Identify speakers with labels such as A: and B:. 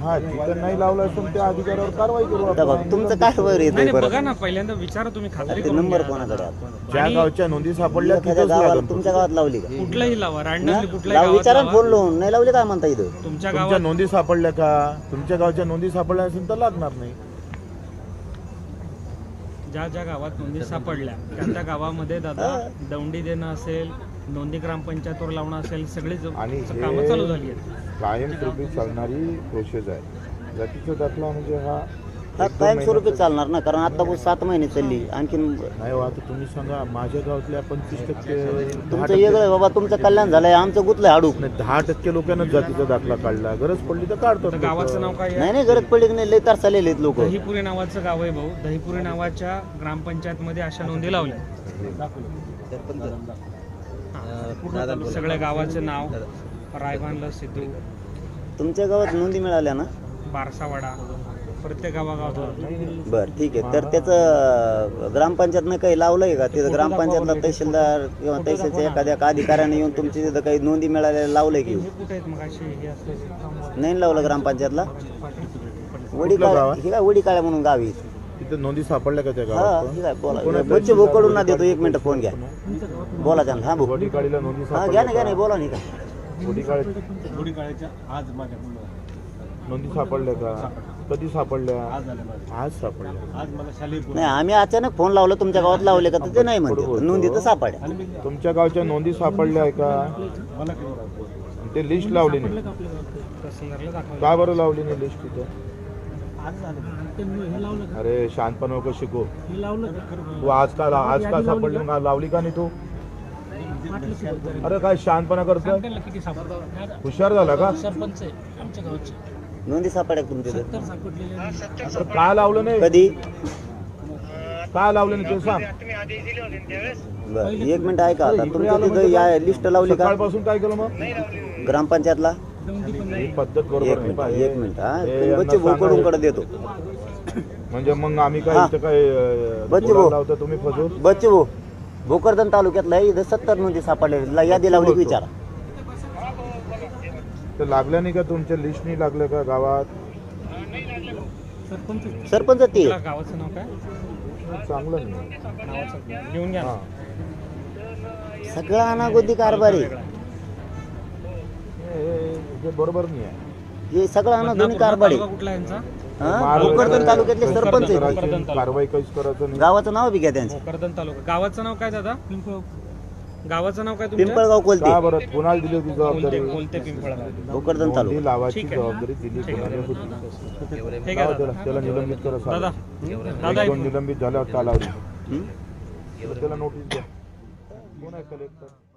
A: हा जिथं नाही लावलं असेल त्या अधिकाऱ्यावर कारवाई करू
B: आता बघ,
A: आपण.
B: तुमचं काय वर येत
C: नाही बघा ना, पहिल्यांदा विचारा तुम्ही, खात्री करून
B: नंबर
C: घ्या.
B: कोणाकडे आहे?
A: ज्या गावच्या नोंदी सापडल्या
B: एखाद्या
A: तिथंच
B: गावाला
A: लागेल.
B: तुमच्या गावात लावली का?
C: कुठलाही लावा, रँडमली कुठल्याही
B: लाव,
C: गावात
B: विचारा
C: लावा.
B: फोन लावून. नाही लावली काय म्हणता इथं?
C: तुमच्या
A: तुमच्या
C: गावात
A: नोंदी सापडल्या का? तुमच्या गावच्या नोंदी सापडल्या असेल तर लागणार नाही.
C: ज्या ज्या गावात नोंदी सापडल्या त्या गावामध्ये दादा दौंडी देणं असेल, नोंदी ग्रामपंचायतवर लावणं असेल, सगळी
A: आणि
C: कामं चालू झाली आहेत.
A: कायमस्वरूपी चालणारी प्रोसेस आहे. जातीचा दाखला म्हणजे हा
B: हा
A: 1-2
B: कायमस्वरूपी चालणार ना, कारण आता 7 महिने चालली. आणखीन
A: नाही हो, आता तुम्ही सांगा माझ्या गावातल्या 25%
B: तुमचं वेगळं आहे बाबा, तुमचं कल्याण झालंय, आमचं गुतलंय हाडूक.
A: 10% लोकांना जातीचा दाखला काढला. गरज पडली तर काढतो.
C: तर गावाचं नाव काय आहे?
B: नाही गरज पडली की नाही, लय तर चाललेले आहेत लोक.
C: दहीपुरी नावाचं गाव आहे भाऊ. दहीपुरी नावाच्या ग्रामपंचायतमध्ये अशा नोंदी लावल्या. सगळ्या गावाचे नाव, रायबानला सिद्धू,
B: तुमच्या गावात नोंदी मिळाल्या ना?
C: बारसावाडा, प्रत्येक गावागावात.
B: बर ठीक आहे. तर त्याचं ग्रामपंचायतनं काही लावलंय का? तिथं ग्रामपंचायतला तहसीलदार किंवा तहसीलच्या एखाद्या अधिकाऱ्याने येऊन तुमची तिथं काही नोंदी मिळाल्या लावलंय की?
C: हे कुठे आहेत मग अशी? हे असं
B: नाही लावलं ग्रामपंचायतला? वडीकाळ्या, हे काय वडीकाळ्या म्हणून गावी.
A: तिथं नोंदी सापडल्या का त्या
B: हा
A: गावात?
B: ठीक आहे, बोला. बच्चे भोकडून ना देतो, 1 मिनिट फोन घ्या, बोला त्यांना. हा भाऊ,
A: वडीकाळीला नोंदी
B: हा घ्या ना,
A: सापडल्या
B: बोला नाही का?
A: वडीकाळीच्या नोंदी सापडल्या का? कधी सापडल्या? आज सापडल्या.
B: नाही, आम्ही अचानक फोन लावला, तुमच्या गावात लावले का? तर ते नाही म्हणते, नोंदी तर सापड्या.
A: तुमच्या गावच्या नोंदी सापडल्या आहे का? ते लिस्ट लावली नाही
C: तहसीलदारला दाखवलं.
A: का बरं लावली नाही लिस्ट तिथं? अरे शांतपणा नको शिकू. तू आज का सापडली मग लावली का नाही तू? अरे काय शांतपणा करतोय? हुशार झाला का?
B: नोंदी सापड्या तुमच्या तिथं?
A: अरे का लावलं नाही?
B: कधी?
A: का लावलं नाही ते सांग.
B: बरं 1 मिनिट ऐका. आता तुमच्या तिथं या लिस्ट लावली का
A: सकाळपासून काय केलं मग?
B: ग्रामपंचायतला?
A: ही पद्धत बरोबर नाही पा.
B: 1 मिनिट. हा बच्चे भोकडून कडे देतो.
A: म्हणजे मग आम्ही काय इथं काय
B: बच्चे भाऊ.
A: लावतो तुम्ही फसवून?
B: बच्चे भाऊ, भोकरदन तालुक्यातला इथं 70 नोंदी सापडल्या, यादी लावली की विचारा.
A: तर लागल्या नाही का? तुमच्या लिस्ट नाही लागल्या का गावात?
B: सरपंच ते
C: गावाचं नाव काय?
A: चांगलं नाही.
C: नावाचं घेऊन घ्या ना.
A: हा
B: सगळा अनागोदी कारभार आहे.
A: हे बरोबर नाही आहे.
B: हे सगळा अनागोदी कारभार
C: तालुका
B: आहे.
C: कुठला यांचा?
B: हा, भोकरदन तालुक्यातले सरपंच आहेत.
A: करायची, कारवाई काहीच करायचं नाही.
B: गावाचं नाव बी घ्या त्यांचं,
C: भोकरदन तालुका. गावाचं नाव काय दादा? गावाचं नाव काय तुमच्या?
B: पिंपळगाव कोलते,
A: का बरं कोणाला दिली होती जबाबदारी?
C: कोलते पिंपळगाव.
B: भोकरदन
A: नोंदी
B: तालुका.
A: लावायची
C: ठीक आहे.
A: जबाबदारी दिली कोणाला होती?
C: ठीक आहे दादा.
A: त्याला निलंबित करा
C: दादा
A: साहेब.
C: दादा
A: 1-2 निलंबित झाल्यावर कालावधी
B: हं?
A: त्याला नोटीस द्या. कोण आहे कलेक्टर?